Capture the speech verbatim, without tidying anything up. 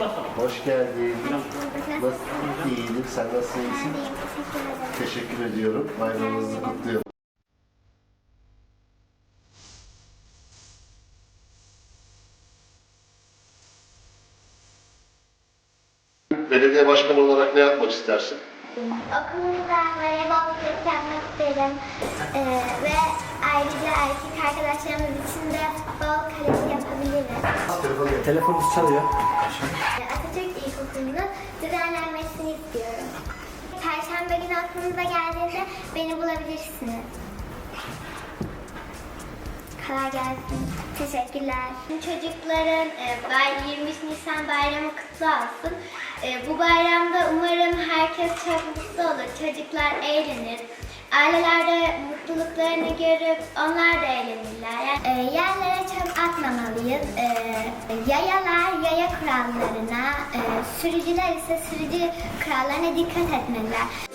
Hoş geldin. Nasıl? İyidir. Sen nasıl iyisin? Teşekkür ediyorum. Bayramınızı kutluyorum. Belediye başkanı olarak ne yapmak istersin? Okulumda voleybolculuk yapmak isterim ee, ve ayrıca erkek arkadaşlarımız için de futbol kaleci yapabiliriz. Telefonunuz çalıyor. Atatürk İlkokulu'nun düzenlenmesini istiyorum. Perşembe günü okulumuza geldiğinde beni bulabilirsiniz. Kolay gelsin. Teşekkürler. Çocukların e, yirmi üç Nisan bayramı kutlu olsun. E, bu bayramda umarım herkes çok mutlu olur. Çocuklar eğlenir. Aileler de mutluluklarını görüp onlar da eğlenirler. Yani, e, yerlere çöp atmamalıyız. E, yayalar yaya kurallarına, e, sürücüler ise sürücü kurallarına dikkat etmeliler.